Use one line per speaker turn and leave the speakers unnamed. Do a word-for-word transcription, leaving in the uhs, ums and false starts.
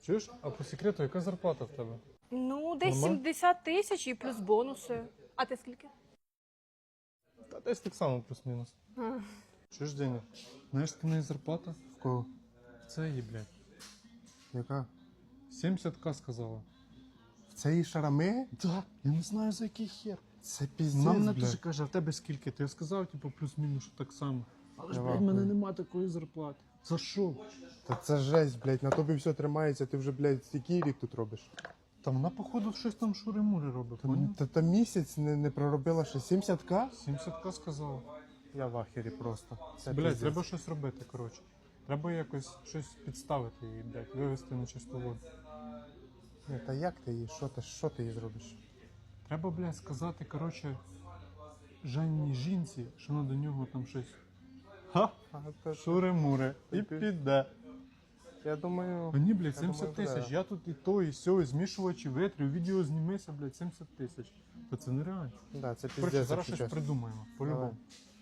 Чуєш, а по секрету, яка зарплата в тебе?
Ну, десь
Нормально?
сімдесят тисяч і плюс бонуси. А ти скільки?
Та десь так само плюс-мінус.
А.
Чуєш, Деня, знаєш, яка в неї зарплата?
В кого?
Це її, блядь.
Яка?
сімдесят ка сказала.
В цієї шарами?
Так, я не знаю за який хер.
Це піздець,
Вона мене
блядь.
теж каже, а в тебе скільки? То я сказав, типу, плюс-мінус, що так само. Але ж,
Я
блядь, в мене
вахую.
нема такої зарплати. За що?
Та це жесть, блядь, на тобі все тримається, ти вже, блядь, який рік тут робиш?
Та вона, походу, щось там шури-мури робить,
Та,
поняв?
та, та місяць не, не проробила ще сімдесят ка?
сімдесят ка сказала.
Я в ахері просто. Це
Блядь,
піздець.
треба щось робити, коротше. Треба якось щось підставити її, блядь, вивести на чисту воду.
Ні, та як ти її, що ти, що ти їй зробиш?
Треба, блядь, сказати, коротше, Жанні жінці, що вона до нього там щось. Ха!
А, то,
Шури-мури. І
Ти-
піде.
я думаю...
Мені, блядь,
Я
сімдесят
думаю,
тисяч.
да.
Я тут і то, і сьо, і змішувачі витрів, відео знімися, блядь, сімдесят тисяч. Та це нереально.
Да, це
Коротше,
піздець,
зараз
якщо
щось
чесно.
придумаємо. По-любому.
Давай.